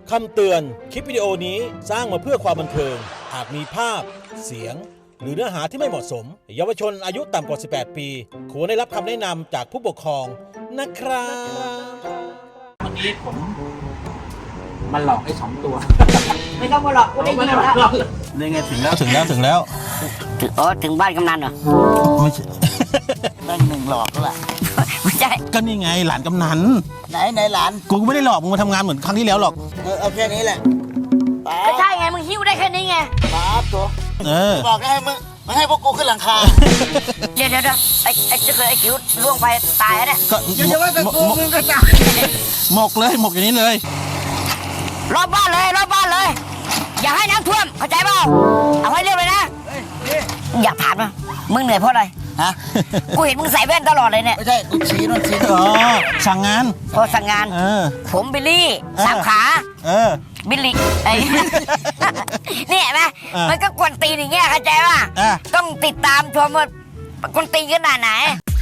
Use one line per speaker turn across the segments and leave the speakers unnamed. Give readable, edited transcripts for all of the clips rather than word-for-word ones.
คำเตือน คลิปวิดีโอนี้สร้างมาเพื่อความบันเทิง อาจมีภาพ เสียง หรือเนื้อหาที่ไม่เหมาะสม เยาวชนอายุต่ำกว่า 18 ปี ควรได้รับคำแนะนำจากผู้ปกครองนะครับ
วันนี้ผมมันหลอกไอ้2 ตัว
ไม่ต้องมาหลอกกูได้ยินแล้ว
นี่ไงถึงแล้วถึงแล้ว
ถึงบ้านกำนันเหรอ
ไม่ใช่
นั่งหนึ่งหลอกแล้วล่ะ
ไม่ใช่
ก็นี่ไงหลานกำนัน
ไหนหลาน
กูไม่ได้หลอกมึงมาทำงานเหมือนครั้งที่แล้วหรอก
เอาแค่นี้แหละป๊า
ก็ใช่ไงมึงหิ้วได้แค่นี้ไง
ป๊าตัว
เออ
บอกได้ให้มึงให้พวกกูขึ้นหลังคา
เดี๋ยวไอ้จะเกิดไอ้จิ๋วล่วงไปตายแล้วเนี่ย
ก็
อย่าว่าแต่กูมึงก็ตาย
หมกเลยหมกอย่างนี้เลย
รอบบ้านเลยอย่าให้น้ำท่วมเข้าใจเปล่าเอาให้เรียบเลยนะอยากถามนะมึงเหนื่อยเพราะอะไร
ฮะ
กูเห็นมึงใส่แว่นตลอดเลยเนี่ย
ไม่ใช่กูชี้นู่นชี้
อ๋อสั่งงาน
พอสั่งงาน
เออ
ผมบิลลี่
เออ
สามขา
เออ
บิลลี่ไอ้ นี่เห็นไหม
เออ
มันก็กวนตีนอย่างเงี้ยเข้าใจป่ะ
อ่ะ
ต้องติดตามชมว่ากวนตีนขนาดไหน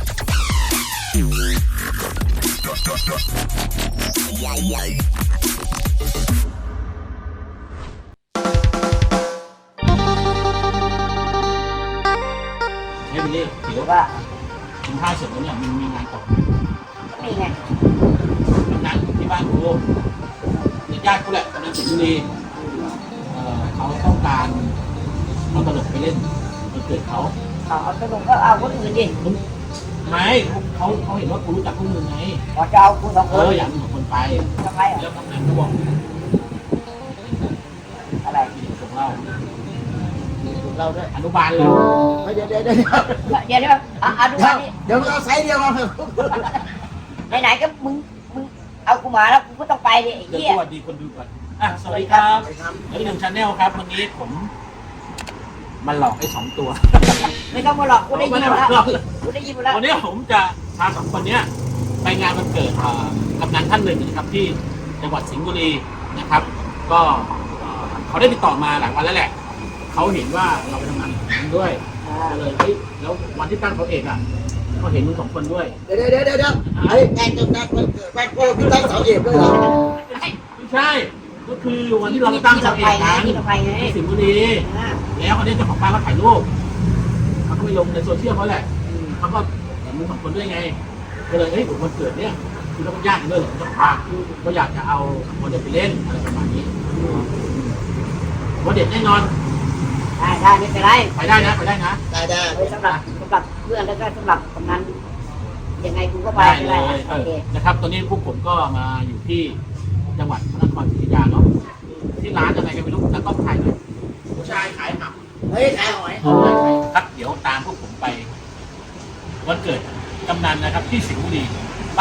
เฮ้ยมิลลี่ถือว่า
ว่า
กินข้าวเสร็จแล้วเนี่ยมันมีงานต่อ
นี่ไง
เป็นงานที่บ้านกูญาติกูแหละกำลังสิงห์บุรีเขาต้องการเอาตลกไปเล่นวันเกิดเขา
เอาสนุกก็เอาคนอื่นดิ
ไม่เขาเห็นว่ากูรู้จักพวกมึงไง
ขอจะเอาคุณสองคน
อยากมีสองคนไป
ทำไมอ่ะ
แล้วกำนันก็บอก
อะไร
ส่งเรา
เราด้วย
อนุบาลเลย
เดี๋ยว
เดี๋ยวเอาดูว่านี่
เดี๋ยวมึงเอาไซส์เดียวมาเถอะ
ไหนๆก็มึงเอากูมาแล้วกูก็ต้องไปดิไอ้
เดี๋ยว
เหี้ย
สวัสดีคนดูก่อนสวัสดีครับแล้ว1 Channel ครับวันนี้ผมมันหลอกไอ้2 ตัว
ไม่ต้องมาหลอกกูได้ยินแล้วกูได้ยินแล้ว
วันนี้ผมจะพา2 คนเนี้ยไปงานวันเกิดกำนันท่านหนึ่งนะครับที่จังหวัดสิงห์บุรีนะครับ ก็เขาได้ติดต่อมาหลายวันแล้วแหละเขาเห็นว่าเราไปทำงานกับผมด้วยก็เลยเฮ้ยแล้ววันที่ตั้งเขาเอกอ่ะเขาเห็นมึง2 คนด้วย
เดี๋ยวไอ้งานกำนันมันเกิดบ้านโก้พี่ตั้งเสาเอกด้วยเหรอ
ไม่ใช่ก็คือวันที่เราไปตั้งเขาเอกกัน
ที่เราไปไง
ที่สิงห์บุรีแล้วเขาได้เจ้าของบ้านเขาถ่ายรูปเขาก็ไปลงในโซเชียลเขาแหละเขาก็เห็นมึง2 คนด้วยไงก็เลยเฮ้ยวันเกิดเนี่ยคือเราก็ญาติกันด้วยเหรอเจ้าของบ้านก็อยากจะเอา2 คนไปเล่นอะไรประมาณนี้วันเด็ดแน่นอน
ได้ไม่เป็นไร
ไปได้นะไปได้นะ
ได้
สำหรับเพื่อนแล้วก็สำหรับกำนันยังไงกูก็ไป
ได้
ไม่
เล
ได้
ย
โอเค
นะครับตอนนี้พวกผมก็มาอยู่ที่จังหวัดพระนครศรีอยุธยาเนาะที่ร้านอะไรกันไม่รู้แล้วก็ถ่ายเลยผู้ชายขายหำ
เฮ้ยขายหอย
ครับเดี๋ยวตามพวกผมไปวันเกิดกำนันนะครับที่สิงห์บุรีไป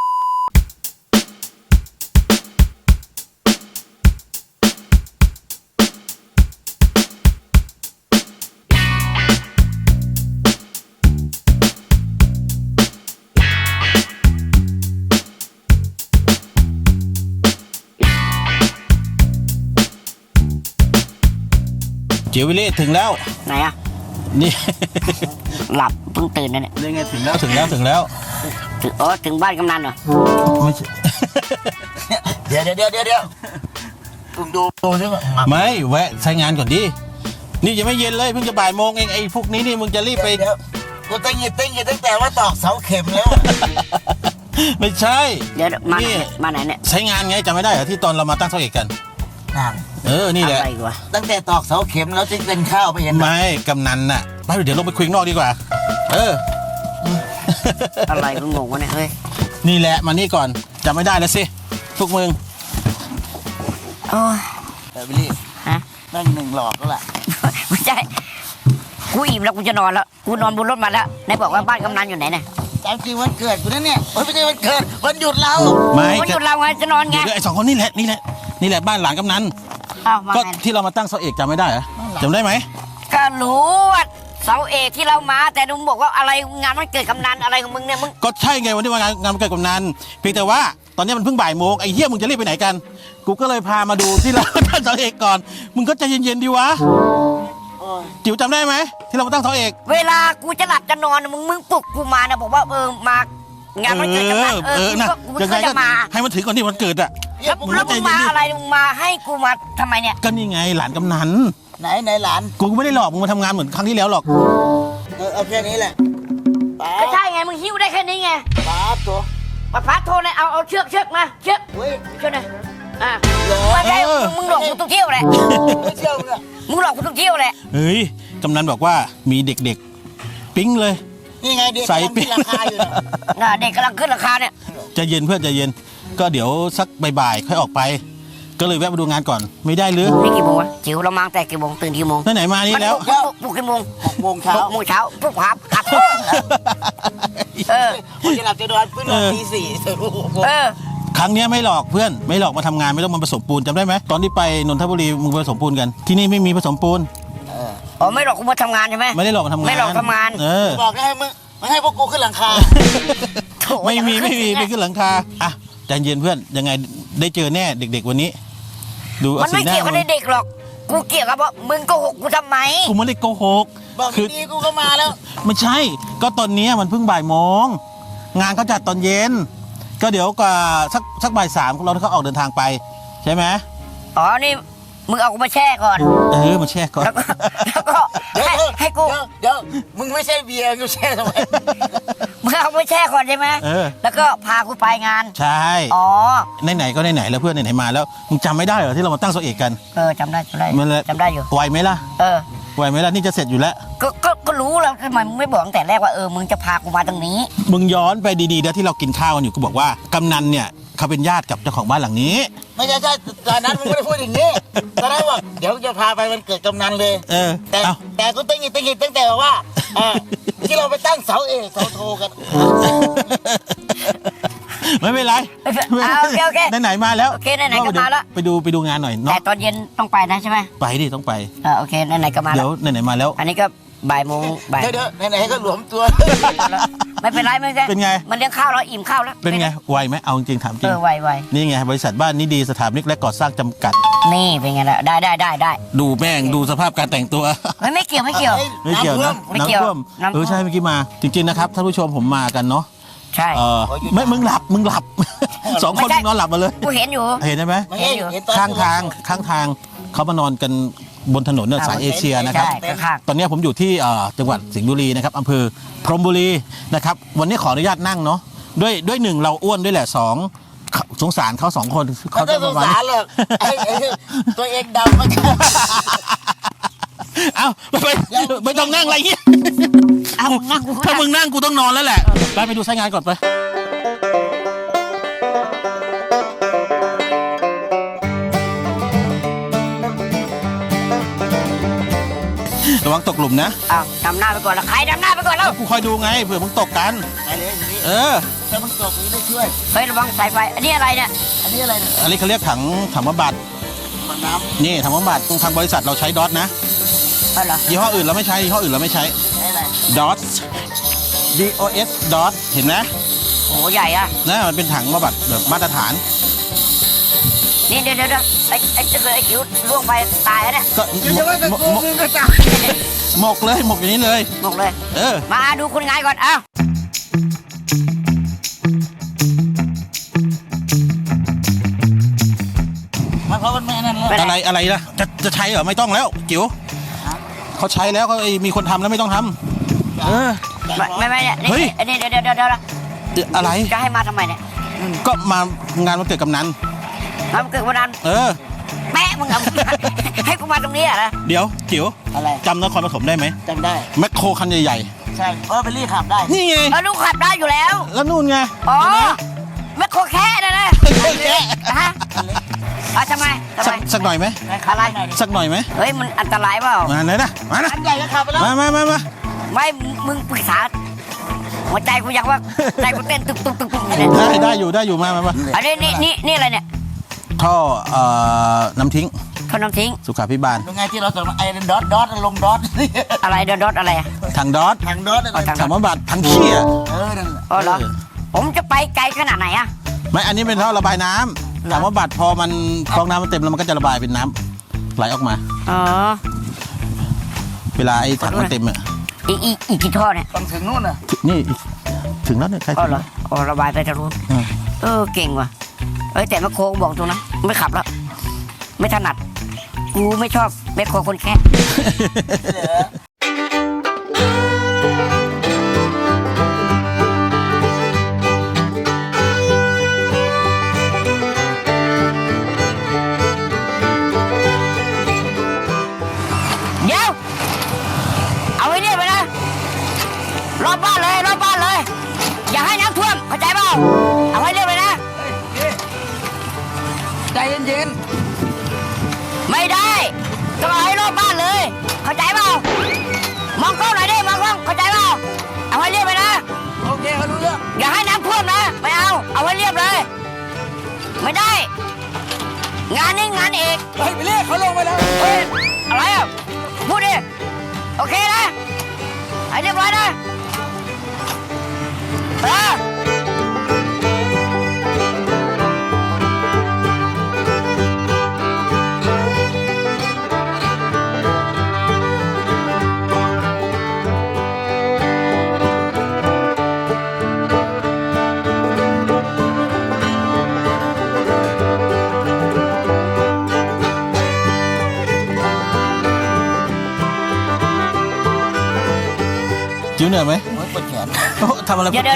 เจียววิเล่ถึงแล้ว
ไหนอ่ะ
นี่
หลับเพิ่งตื่นนะเนี่ย
นี่ไงถึงแล้วถึงแล้ว
ถึงบ้านกำนันเหรอ
ไม่ใช่
เดี๋ยวมึงดูซิว่า
ไม่แวะใช้งานก่อนดินี่ยังไม่เย็นเลยเพิ่งจะบ่ายโมงเองไอ้พวกนี้นี่มึงจะรีบไป
เดี๋ยวกูตั้งตั้งแต่ว่าตอกเสาเข็มแล้ว
ไม่ใช่
เดี๋ยวมา
นี่
ไหนเนี่ย
ใช้งานไงจำไม่ได้เหรอที่ตอนเรามาตั้งเสาเอกกัน นี่แหละ
อะไรวะ
ตั้งแต่ตอกเสาเข็มแล้วจึงเป็นข้าวไปเห็น
ไม่กำนันน่ะไปเดี๋ยวลงไปคุยข้างนอกดีกว่า เออ
อะไรกูงงวะเนี่ยเฮ้ย
นี่แหละมานี่ก่อนจำไม่ได้แล้วสิพวกมึง
โอ้ย
บิลลี่
ฮะ
นั่งหนึ่งหลอกแล้วล่ะ
ไม่ใช่กูอิ่มแล้วกูจะนอนแล้วกูนอนบนรถมาแล้วไหนบอกว่าบ้านกำนันอยู่ไหนเนี่ย
ตามจริงวันเกิดกูนั่นเนี่ยไม่ใช่วันเกิดวันหยุดเรา
ไม่
วันหยุดเราไงจะนอนไง
เดี๋ยวไอ้2 คนนี่แหละบ้านหลานกำนัน
อ้าวมา
ก็
ไง
ที่เรามาตั้งเสาเอกจำไม่ได้เหรอจำได้ไหม
ก็รู้ว่าเสาเอกที่เรามาแต่มึงบอกว่าอะไรงานมันเกิดกำนันอะไรของมึงเนี่ยมึง
ก็ใช่ไงวันที่งานวันเกิดกำนันเพียงแต่ว่าตอนนี้มันเพิ่งบ่ายโมงไอ้เหี้ยมึงจะรีบไปไหนกัน กูก็เลยพามาดูที่เรา ตั้งเสาเอกก่อนมึงก็ใจเย็นๆดีวะจิ๋วจำได้ไหมที่เรามาตั้งเสาเอก
เวลากูจะหลับจะนอนมึงปลุกกูมานะบอกว่ามางานมันเกิดจะมา
นะ
กู
ยังไง
ก็
ก็
จะมา
ให้มันถือก่อนที่มันเกิดอ่ะ
แล้วมึงมาอะไรมึงมาให้กูมาทำไมเนี่ย
ก็นี่ไงหลานกำนัน
ไหนหลาน
กูไม่ได้หลอกมึงมาทำงานเหมือนครั้งที่แล้วหรอก
เอาแค่นี้แหละป้า
ไม่ใช่ไงมึงหิ้วได้แค่นี้ไง
ป้าตัว
ป้าโทรเลยเอาเชือกมาเชือก
เฮ้ย
เชือกหน่อยไม่ใช่มึงหลอกกูทุกเที่ยวแหละ
ไม่เชื่อมึงอะ
มึงหลอกกูทุกเที่ยวแหละ
เฮ้ยกำนันบอกว่ามีเด็กๆปิ๊งเลย
นี่ไงเด็ก
ใส่
กำลัง
ปิ๊
ที่
ง
ราคาอยู่นะ
เด็กกำลังขึ้นราคาเนี่ย
ใจเย็นเพื่อนใจเย็นก็เดี๋ยวสักบ่ายๆค่อยออกไป ก็เลยแวะมาดูงานก่อนไม่ได้หรือ
นี่กี่โมงวะจิ๋วเรามาตั้งแต่กี่โมงตื่นกี่โมง
ไหนๆมานี่แล้ว
ปลุกกี่โมง
6 โมงเช้า
6 โมงเช้าปลุกครับขับเออ
ผมจะหลับจะนอนเพิ่งนอนตี 4
เออ
ครั้งเนี้ยไม่หลอกเพื่อนไม่หลอกมาทำงานไม่ต้องมาผสมปูนจำได้ไหมตอนที่ไปนนทบุรีมึงไปผสมปูนกันที่นี่ไม่มีผสมปูน
อ๋อไม่หลอกกูมาทำงานใช่ไหม
ไม่ได้หลอกมาทำงาน
ไม่หลอกทำงาน
เออ
บอกให้มึงมันให้พวกกูขึ้นหลังคา
ไม่มีไม่ขึ้นหลังคาอ่ะใจเย็นเพื่อนยังไงได้เจอแน่เด็ก ๆ วันนี้ ดู
มันไม่เกี่ยวกับเด็กหรอกกูเกี่ยวกับว่ามึงโกหกกูทำไม
กูไม่ได้โกหก
บอก
คือ
ดีๆกูก็มาแล้ว
ไม่ใช่ ก็ตอนเนี้ยมันเพิ่งบ่ายโมงงานเขาจัดตอนเย็น ก็เดี๋ยวกว่าสักบ่ายสามเราเขาออกเดินทางไป ใช่ไหม
อ๋อนี่มึงเอากูมาแช่ก่อน
มาแช่ก่อน
แล้วก็ให้กู
เดี๋ยวมึงไม่ใช่เบียร์กูแช่ทำไม
มึงเอากูมาแช่ก่อนใช่ไหม แล้วก็พากูไปงาน
ใช่
อ๋อ
ไหนๆก็ไหนๆแล้วเพื่อนไหนๆมาแล้วมึงจำไม่ได้เหรอที่เรามาตั้งโซเอกกัน
จำได้
มันเลย
จำได้อยู่
ไหวไหมล่ะ
เออ
ไหวไหมล่ะนี่จะเสร็จอยู่แล้ว
ก็รู้แล้วทำไมมึงไม่บอกตั้งแต่แรกว่ามึงจะพากูมาตรงนี้
มึงย้อนไปดีๆนะที่เรากินข้าวกันอยู่กูบอกว่ากำนันเนี่ยเขาเป็นญาติกับเจ้าของบ้านหลังนี้
ไม่ใช่ตอนนั้นมึงไม่ได้พูดอย่างนี้ตอนนั้นบอกเดี๋ยวจะพาไปวันเกิดกำนันเลย แต่
เอ้า
แต่กูตั้งหิดตั้งแต่ว่าที่เราไปตั้งเสาเอกเสาโทกัน
ไม่เป็นไร
โอเค
ไหนๆมาแล้ว
โอเคไหนๆก็มาแล้ว
ไปดูงานหน่อย
แต่
เนาะ
ตอนเย็นต้องไปนะใช่ไหม
ไปดิต้องไป
โอเคไหนๆก็มาแล้
เดี๋ยว วไหนๆมาแล้ว
อันนี้ก็บ่ายโมงบ่าย
เดี๋ยวไหนๆก็หลวมตัว
ไม่เป็นไรไม่เป็นไร
เป็นไง
มันเลี้ยงข้าวแล้วอิ่มข้าวแล้ว
เป็นไงไวไหมเอาจริงๆถามจริง
ไว
นี่ไงบริษัทบ้านนิดีสถาปนิกและก่อสร้างจำกัด
นี่เป็นไงล่ะได้
ดูแม่งดูสภาพการแต่งตัว
ไม่เกี่ยว
ไม่เกี่ยวนะ
ไม่เกี่ยว
ท่วม
น้ำท่วม
ใช่เมื่อกี้มา จริงๆนะครับท่านผู้ชมผมมากันเนาะ
ใช่
ไม่มึงหลับ สองคน
ไม่ใช่
มึงนอนหลับมาเลย
กูเห็นอยู่
เห็นไหม
ไม่เห็นตอน
ข้างทางเขามานอนกันบนถนนเนี่ยสายเอเชียนะครับ
ใช่ข้าง
ตอนนี้ผมอยู่ที่จังหวัดสิงห์บุรีนะครับอำเภอพรหมบุรีนะครับวันนี้ขออนุญาตนั่งเนาะด้วยหนึ่งเราอ้วนด้วยแหละสองสงสารเขาสองคน
เขาจะสงสารหรอกไอ้ตัวเองดำมัน
เอ้าไม่ต้องนั่งอะไรเงี้ย
เอานั่งกู
ถ้ามึงนั่งกูต้องนอนแล้วแหละไปดูสายงานก่อนไประวังตกหลุมนะ
เอาดำหน้าไปก่อนแล้วใครดำหน้าไปก่อนแล้ว
กูคอยดูไงเผื่อมึงตกกัน
ไปเลยอย่างนี้
เออ
ถ้ามึงตกมึงได้ช่วย
เฮ้ยระวังสายไฟอันนี้อะไรเนี่ย
อันนี้อะไรเนี่ย
อันนี้เขาเรียกถังบำบัด
มันน้
นี่ถังบำบัดทางบริษัทเราใช้ดอทนะ
เอาเหรอ
ยี่ห้ออื่นเราไม่ใช้ยี่ห้ออื่นเราไม่ใช้
ำอะไร
ดอท DOS ดอทเห็นไหม
โหใหญ่อะ
นะมันเป็นถังบำบัดแบบมาตรฐาน
นี่เดี๋ยวไอ้เจ้าไอ้จิ๋วล่วงไปตายแล้วเนี่ย
ก็
จะว่าแต่กูมึงก็จับ
หมกเลยหมกอย่างนี้เลย
หมกเลย
เออ
มาดูคนงานก่อนเอ้า
มันเพราะมันไม่นั่นแล้ว
อะไรนะจะใช้เหรอไม่ต้องแล้วจิ๋วเขาใช้แล้วเขามีคนทำแล้วไม่ต้องทำเออ
ไม่เนี่ย
เฮ้ย
อันนี้เดี๋ยว
อะไร
จะให้มาทำไมเนี่ย
ก็มางานวันเกิดกำนัน
มาเกิดวันนั้น
เออ
แปะมึงเอาให้กูมาตรงนี้เหรอ
เดี๋ยวจิ๋ว
อะไร
จำนครปฐมได้ไหม
จำได้
แมคโครคันใหญ่
ใช่ไปรีขับได้
ๆนี่ไง
ลูกขับได้อยู่แล้ว
แล้วนู่นไง
อ๋อ
เห็นไหม
แม่โคแค่นะนะ
แค่
ฮะทำไม
สักหน่อยไหม
อะไร
สักหน่อยไหม
เฮ้ยมันอันตรายเปล่า
มาไหนนะมานะ
อันใหญ่ก็ขับไปแล้ว
มา
ไม่มึงปรึกษาหัวใจกูอยากว่าใจกูเต้นตุกเนี่ย
ได้อยู่มา
อันนี้นี่อะไรเนี่ย
ท่อน้ำทิ้ง
ท่อน้ำทิ้ง
สุขาภิบาล
ยังไงที่เราส่งไอ้ดอทลงดอท
อะไรเดอดอะไรอ่ะ
ถังดอท
ทางดอทอะไร
ถังบำบัดถังขี้อ่ะ
นั่นแหละ
อ๋อเหรอผมจะไปไกลขนาดไหนอ่ะ
ไม่อันนี้เป็นท่อระบายน้ำถังบำบัดพอมันฟองน้ำมันเต็มแล้วมันก็จะระบายเป็นน้ำไหลออกมา
อ๋อ
เวลาไอ้ถังมันเต็มอ่ะ
อีกกี่ท่อเนี่ย
ต้องถึงนู่นน่ะ
นี่ถึงแล้วเนี่ยใคร
อ๋อ
ถึง
เหรออ๋อระบายไปทางนู้นเก่งว่ะแต่แมคโครบอกตรงนะไม่ขับแล้วไม่ถนัดกูไม่ชอบแมคโครคนแค่เดี๋ยวเอาไว้เนี่ยไปนะรอบบ้านเลยอย่าให้น้ำท่วมเข้าใจเปล่าเอาไว้เรียบเลยนะใจเย็นๆไม่ได้ต้องเอาให้รอบบ้านเลยเข้าใจเปล่ามองกล้องหน่อยดิมองกล้องเข้าใจเปล่าเอาไว้เรียบเลยนะโอเคเขารู้เรื่องอย่าให้น้ำท่วมนะไม่เอาไว้เรียบเลยไม่ได้งานนี้งานเอกไปเรียกเขาลงไปแล้วอะไรอ่ะพูดดิโอเคนะให้เรียบร้อยนะ
จิ๋วเหนื่อยไหม
ปวดแขน
ทำอะไร
เดี๋ยว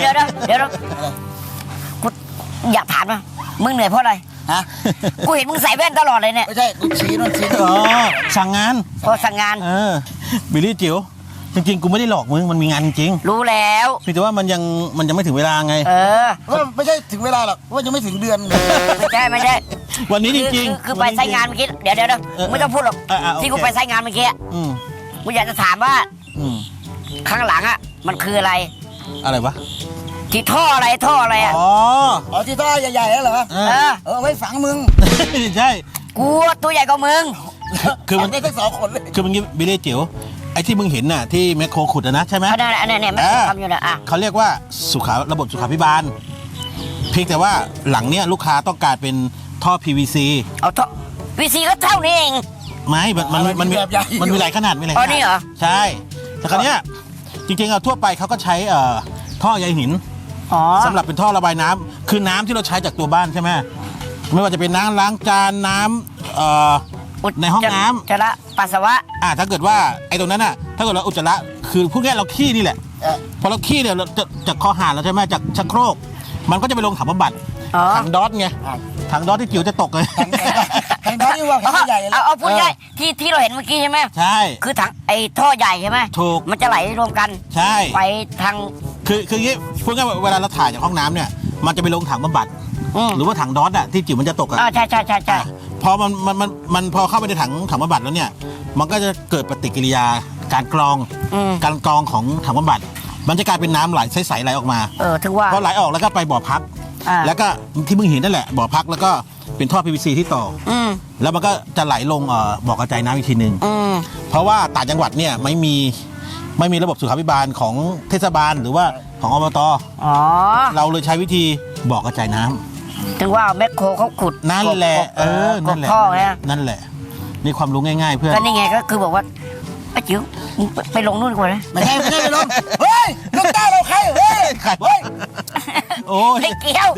กูอยากถามนะมึงเหนื่อยเพราะอะไร
ฮะ
กูเห็นมึงใส่แว่นตลอดเลยเนี่ย
ไม่ใช่กูชี้นู่นชี้นี่
อ๋อสั่งงาน
พอสั่งงาน
บิลลี่จิ๋วจริงๆกูไม่ได้หลอกมึงมันมีงานจริง
รู้แล้ว
เพียงแต่ว่ามันยังไม่ถึงเวลาไง
ว่าไม่ใช่ถึงเวลาหรอกว่ายังไม่ถึงเดือน
ไม่ใช่
วันนี้จริง
คือไปใช้งานเมื่อกี้เดี๋ยวไม่ต้องพูดหรอก
โอเค
ที่กูไปใช้งานเมื่อกี้
อืม
กูอยากจะถามว่า
อืม
ข้างหลังอ่ะมันคืออะไร
อะไรวะ
ที่ท่ออะไรอ่ะ
อ๋อ
ที่ท่อใหญ่ๆแล้วเหรอ ไว้ฝังมึง
ใช่
กูตัวใหญ่กว่ามึง
คือมัน
ได้ทั้ง2 คนเลย
คือมันงี้บิลลี่จิ๋วไอ้ที่มึงเห็นน่ะที่แมคโครขุดนะใช่ไหม
อันนั้นเนี่ยมันทำอยู่นะอ่ะ
เขาเรียกว่าระบบสุขาภิบาลเพียงแต่ว่าหลังเนี้ยลูกค้าต้องการเป็นท่อ PVC
เอาท่อวีซีก็เท่านี้เอง
ไม่มันมีหลายขนาดมีหลายข
อ๋อ
นาด
นี่เหรอ
ใช่แต่คราวเนี้ยจริงๆทั่วไปเขาก็ใช้ท่อใยหิน
อ๋อ
สำหรับเป็นท่อระบายน้ำคือน้ำที่เราใช้จากตัวบ้านใช่ไหมไม่ว่าจะเป็นน้ำล้างจานน้ำในห้องน้ำ
จะละปัสสาวะ
ถ้าเกิดว่าไอ้ตรงนั้นน่ะถ้าเกิดเราอุจจาระคือพูดง่ายๆเราขี้นี่แหละพอเราขี้เนี่ยเราจากคอหานเราใช่ไหมจากชักโครกมันก็จะไปลงถังบำบัด
อ๋อ
ถังดอทไงถังดอทที่จิ๋วจะตกเลย
ทางท่อนี่ว่าใหญ่แล้ว
เอาพูดง่ายที่เราเห็นเมื่อกี้ใช่ไหม
ใช่
คือถังไอ้ท่อใหญ่ใช่ไหม
ถูก
มันจะไหลรวมกัน
ใช่
ไปทาง
คืออย่างงี้พูดง่ายๆเวลาเราถ่ายจากห้องน้ำเนี่ยมันจะไปลงถังบำบัดหรือว่าถังดอทอะที่จิ๋วมันจะตกอะ
ใช่
พอมันพอเข้าไปในถังบำบัดแล้วเนี่ยมันก็จะเกิดปฏิกิริยาการกรองของถังบำบัดมันจะกลายเป็นน้ำไหลใสๆไหลออกมา
ถึงว่า
พอไหลออกแล้วก็ไปบ่อพักแล้วก็ที่มึงเห็นนั่นแหละบ่อพักแล้วก็เป็นท่อ PVC ที่ต่อแล้วมันก็จะไหลลงบ่อกระจายน้ำอีกทีหนึ่งเพราะว่าต่างจังหวัดเนี่ยไม่มีระบบสุขาภิบาลของเทศบาลหรือว่าของอบตเราเลยใช้วิธีบ่อกระจายน้ำ
ถึงว่าแมคโครเขาขุด
นั่นแหละนั่นแหละ
ท่อไง
นั่นแหละนี่ความรู้ง่ายๆเพื่อน
ก็นี่ไงก็คือบอกว่าไอ้จิ๋วมึงไปลงนู่นก่อนนะ
ไม่ใช่ไปลงเฮ้ยลูกตาเราใครเฮ้ย
ใครวะโอ้ย
ไม่เกี่ยว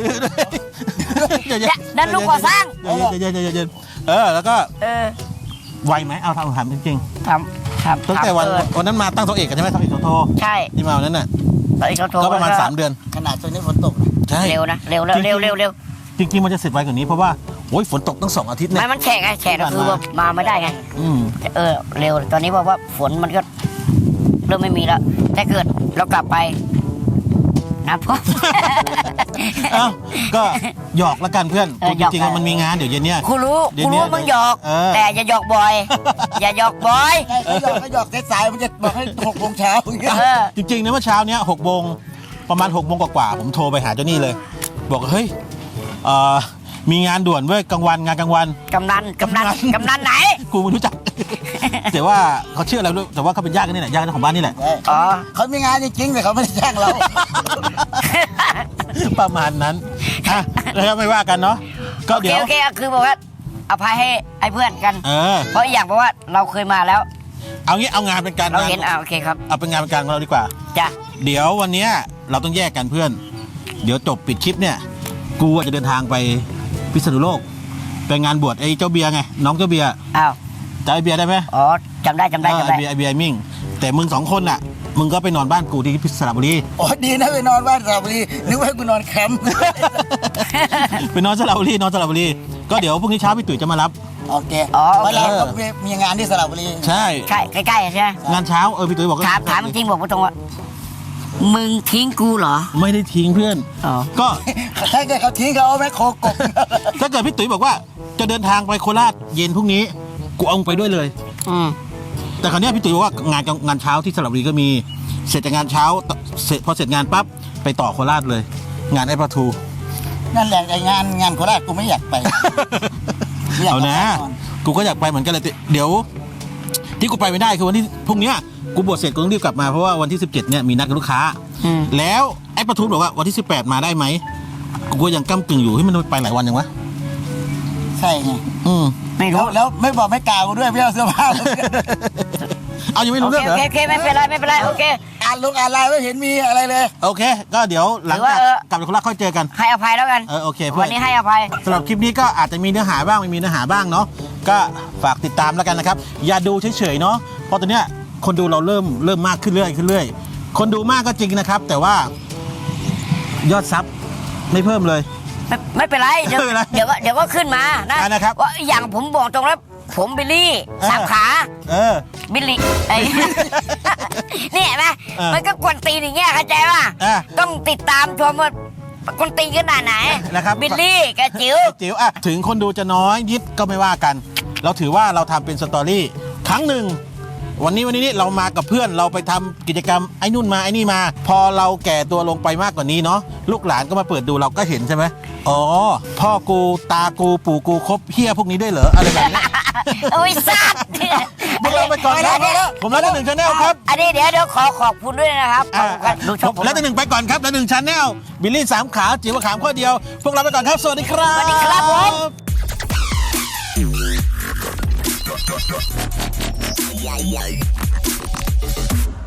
นั่นลูกก่อสร้าง
เย็นแล้วก็ไวไหมเอาถามจริง
ทำ
ตั้งแต่วันนั้นมาตั้งโต๊ะเอกกันใช่ไหมโต๊ะเอกโทร
ใช่
ที่มาวันนั้นน่ะ
ตอนนี้เขาโทร
ก็ประมาณ3 เดือน
ขนาดตัวนี้ฝนตก
ใช่
เร็วนะเร็ว
จริงๆมันจะเสร็จไวกว่านี้เพราะว่าโอ้ยฝนตกตั้ง2 อาทิตย์เนี่ย
ไม่มันแฉะไงแฉะก็คือว่ามาไม่ได้ไง เร็วตอนนี้บอกว่าฝนมันก็เริ่มไม่มีแล้วแต่เกิดเรากลับไปนะพ่อ
เอ้าก็หยอกละกันเพื่อนจริงๆมันมีงานเดี๋ยวเย็นเนี่ย
กูรู้มึงหยอกแต่อย่าหยอกบ่อย อย่าหยอกบ่อย
ก็หยอกสายๆมันจะบอกให้6 โมงเช้า
จริงๆนะเมื่อเช้าเนี้ย6 โมงประมาณ6 โมงกว่าๆผมโทรไปหาเจ้านี่เลย บอกเฮ้ยมีงานด่วนเว้ยงานกลางวัน
กำนันไหน
กูไม่รู้จัก แต่ว่าเขาเชื่ออะไรรู้แต่ว่าเขาเป็นญาติกันนี่แหละญาติของบ้านนี่แหละ
เขามีงานจริงๆแต่เขาไม่ได้จ้างเรา
ประมาณนั้นแล้วไม่ว่ากันเนาะก็เดี๋ยว
โอเคคือบอกว่าอภัยให้ไอ้เพื่อนกันเพราะอย่างเพราะว่าเราเคยมาแล้ว
เอางี้เอางานเป็นการ
เราเห็นโอเคครับ
เอาเป็นงานเป็นการของเราดีกว่า
จ้ะ
เดี๋ยววันนี้เราต้องแยกกันเพื่อนเดี๋ยวจบปิดคลิปเนี่ยกูจะเดินทางไปพิษณุโลกไปงานบวชไอ้เจ้าเบียร์ไงน้องเจ้าเบียร์
อ้าว
จำไอ้เบียร์ได้ไหม
อ๋อจำได้
ไอ้เบียร์มิ่งแต่มึง2 คนน่ะมึงก็ไปนอนบ้านกูที่สระบุรี
โอ้ดีนะไปนอนบ้านสระบุรีนึกว่าให้กูนอนแคมป์
ไปนอนสระบุรีก็เดี๋ยวพรุ่งนี้เช้าพี่ตุ๋ยจะมารับ
โอเค
อ๋อโอ
วัน
เค
เราก็มีงานที่สระบุรี
ใช่
ใช่ใกล้ๆใช่ไหม
งานเช้าพี่ตุ๋ยบอกว่า
ถามจริงบอกตรงว่ามึงทิ้งกูเหรอ
ไม่ได้ทิ้งเพื่อน
อ๋อ
ก็
ถ้าเกิดเขาทิ้งเขาเอาแม่โคกบ
ถ้าเกิดพี่ตุ๋ยบอกว่าจะเดินทางไปโคราชเย็นพรุ่งนี้กูเอามึงไปด้วยเลย
อืม
แต่คราวเนี้ยพี่ตุ๋ยบอกว่างานเช้าที่สระบุรีก็มีเสร็จจากงานเช้าพอเสร็จงานปั๊บไปต่อโคราชเลย งานไอ้ปลาทู
นั่นแหละไอ้งานโคราชกูไม่อยากไป ไม่ยก
เอานะ
ไปก่อ
กูก็อยากไปเหมือนกันเลยแต่เดี๋ยว ที่กูไปไม่ได้คือวันที่พรุ่งเนี้ยกูบวชเสร็จกูต้องรีบกลับมาเพราะว่าวันที่17เนี่ยมีนัดกับลูกค้า
อืม
แล้วไอ้ปลาทูบอกว่าวันที่18มาได้ไหมกูก็ยังก้ำกึ่งอยู่ให้มันไปหลายวันยังวะ
ใช่ไง
ไม่
แล้
รู้
วแล้วไม่บอกไม่กล่าวกูด้วยไม่เอาเสื้อผ้าเลย
เอายังไม่
โอ
รู้
เค
เรื่องเหรอ
โอเคไม่เป็นไรโอเค
อ่านไลน์ไม่เห็นมีอะไรเลย
โอเค ก็เดี๋ยวหลังจาก
หรือว่า
กลับจากโคราชค่อยเจอกัน
ให้อภัยแล้วกัน
โอเคเพื่
วั
อน
นนี้ให้อภัย
สำหรับคลิปนี้ก็อาจจะมีเนื้อหาบ้างไม่มีเนื้อหาบ้างเนาะก็ฝากติดตามแล้วกันนะครับอย่าดูเฉยๆเนาะเพราะตอนเนี้ยคนดูเราเริ่มมากขึ้นเรื่อยคนดูมากก็จริงนะครับ แต่ว่ายอดซับไม่เพิ่มเลย
ไม่เป็นไรเดี๋ยว
ไม่เป็นไร
เดี๋ยวก็ขึ้นมานะ
นะครับ
ว่าอย่างผมบอกตรงแล้วผมบิลลี่สามขา บิลลี่ไอ้ นี่เห็นไหม มันก็กวนตีนอย่างเงี้ยเข้าใจป่ะ ต้องติดตามชมว่ากวนตีนขนาดไหน
นะครับ
บิลลี่กับจิ๋ว
จิ๋วถึงคนดูจะน้อยยิดก็ไม่ว่ากัน เราถือว่าเราทำเป็นสตอรี่ครั้งหนึ่งวันนี้เรามากับเพื่อนเราไปทำกิจกรรมไอ้นู่นมาไอ้นี่มา พอเราแก่ตัวลงไปมากกว่านี้เนาะลูกหลานก็มาเปิดดูเราก็เห็นใช่ไหมอ๋อพ่อกูตากูปู่กูครบเฮี้ยพวกนี้ด้วยเหรออะไรแบบนี้
โอ้ยสัตว์
พวกเราไปก่อนครับผมแล้วหนึ่งชาแนลครับ
อันนี้เดี๋ยวขอบคุณด้วยนะครับขอบคุณครับดูชมผม
แล้วหนึ่งไปก่อนครับแล้วหนึ่งชาแนลบิลลี่3 ขาจิ๋วขามข้อเดียวพวกเราไปก่อนครับสวัสดีครับ
สวัสดีครับผม
Yeah.